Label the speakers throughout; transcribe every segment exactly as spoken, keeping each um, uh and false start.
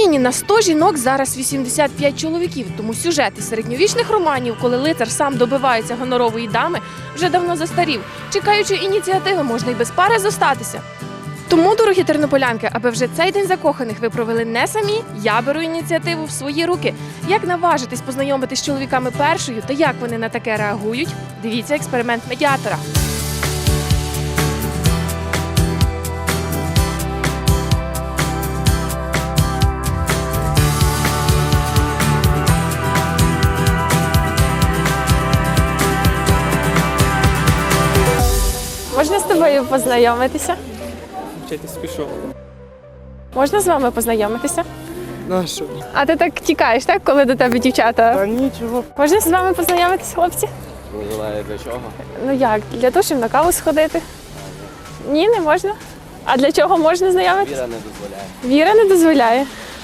Speaker 1: Україні на сто жінок зараз вісімдесят п'ять чоловіків, тому сюжет із середньовічних романів, коли лицар сам добивається гонорової дами, вже давно застарів. Чекаючи ініціативи, можна й без пари зостатися. Тому, дорогі тернополянки, аби вже цей день закоханих ви провели не самі, я беру ініціативу в свої руки. Як наважитись познайомитись з чоловіками першою та як вони на таке реагують, дивіться експеримент медіатора. Можна з тобою познайомитися?
Speaker 2: Вчитись пішов.
Speaker 1: Можна з вами познайомитися?
Speaker 2: На що?
Speaker 1: А ти так тікаєш, так, коли до тебе дівчата?
Speaker 2: Та нічого.
Speaker 1: Можна з вами познайомитися, хлопці?
Speaker 2: Не знаю для чого.
Speaker 1: Ну як, для того, щоб на каву сходити? Ні, не можна. А для чого можна знайомитися?
Speaker 2: Віра не дозволяє.
Speaker 1: Віра не дозволяє.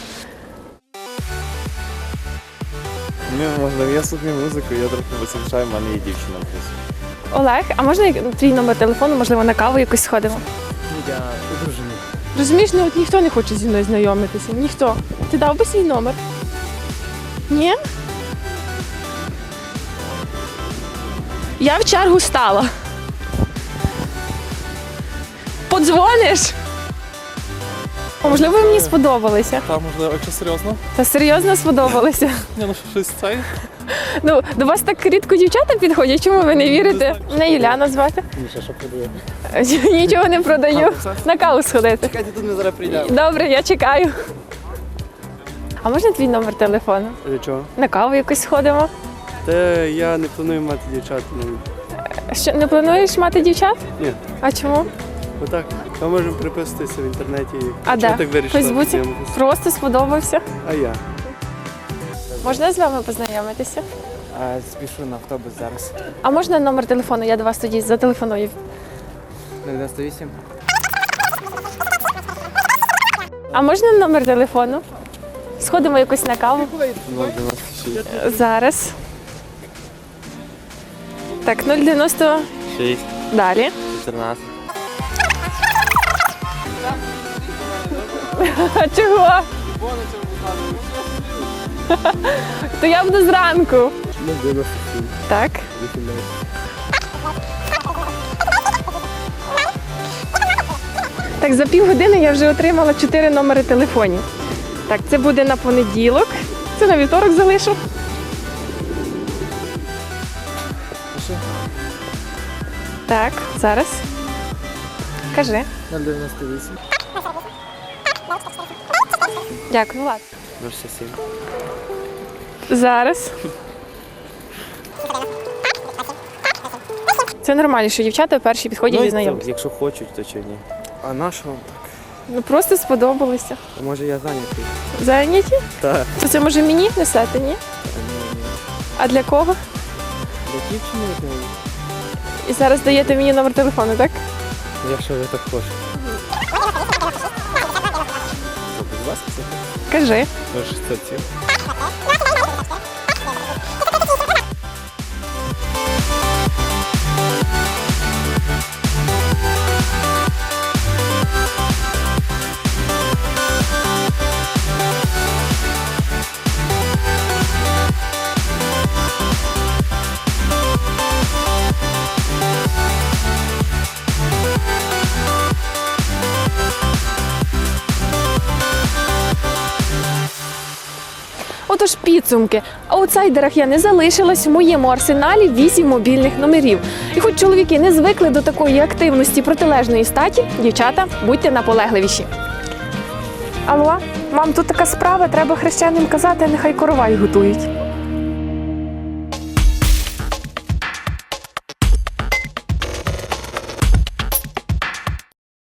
Speaker 2: Ні, можливо, я слухаю музику, я трохи висвічаю, в мене є дівчина в плюс.
Speaker 1: Олег, а можна як- твій номер телефону, можливо, на каву якось сходимо?
Speaker 2: Я одружений.
Speaker 1: Розумієш, ну от ніхто не хоче зі мною знайомитися. Ніхто. Ти дав би свій номер? Ні? Я в чергу стала. Подзвониш? О, можливо, ви мені сподобалися.
Speaker 2: Та, можливо, якщо серйозно?
Speaker 1: Та серйозно сподобалися.
Speaker 2: Ні, ну щось це.
Speaker 1: Ну, до вас так рідко дівчата підходять, чому ви не вірите? Мене Юляна звати.
Speaker 2: Нічого, що продає.
Speaker 1: Нічого не продаю. На каву сходити.
Speaker 2: Чекайте, тут ми зараз прийдемо.
Speaker 1: Добре, я чекаю. А можна твій номер телефону?
Speaker 2: Для чого?
Speaker 1: На каву якось сходимо.
Speaker 2: Та я не планую мати дівчат. Ну,
Speaker 1: Що, не плануєш мати дівчат?
Speaker 2: ні.
Speaker 1: А чому?
Speaker 2: Отак. Ми можемо переписуватися в інтернеті.
Speaker 1: А
Speaker 2: Чого
Speaker 1: де?
Speaker 2: так
Speaker 1: В
Speaker 2: вирішила
Speaker 1: Фейсбуці?
Speaker 2: познайомитися?
Speaker 1: Просто сподобався.
Speaker 2: А я?
Speaker 1: Можна з вами познайомитися?
Speaker 3: А, спішу на автобус зараз.
Speaker 1: А можна номер телефону? Я до вас тоді зателефоную.
Speaker 3: дев'яносто вісім.
Speaker 1: А можна номер телефону? Сходимо якось на каву.
Speaker 2: нуль дев'яносто шість.
Speaker 1: Зараз. Так, нуль дев'яносто.
Speaker 2: шість.
Speaker 1: Далі.
Speaker 2: чотирнадцять.
Speaker 1: А чого? То я буду зранку.
Speaker 2: нуль дев'яносто сім.
Speaker 1: Так.
Speaker 2: вісімнадцять.
Speaker 1: Так, за півгодини я вже отримала чотири номери телефонів. Так, це буде на понеділок. Це на вівторок залишу. Так, зараз. Кажи.
Speaker 3: нуль дев'яносто вісім.
Speaker 1: Дякую, ладно.
Speaker 2: нуль шістдесят сім.
Speaker 1: Зараз. Це нормально, що дівчата перші підходять і знайомляться.
Speaker 2: Якщо хочуть, то чи ні. А на що вам так?
Speaker 1: Ну просто сподобалося.
Speaker 2: А може я зайнятий?
Speaker 1: Зайняті?
Speaker 2: Так.
Speaker 1: То це може мені несете, ні? А для кого?
Speaker 2: Для дівчини, як мені?
Speaker 1: І зараз даєте мені номер телефону, так?
Speaker 2: Якщо ви так хочете. Будь ласка, це
Speaker 1: Кажи.
Speaker 2: нуль шістдесят сім.
Speaker 1: Отож, підсумки. В аутсайдерах я не залишилась, в моєму арсеналі вісім мобільних номерів. І хоч чоловіки не звикли до такої активності протилежної статі, дівчата, будьте наполегливіші. Алло, мам, тут така справа, треба хрещеним казати, нехай коровай готують.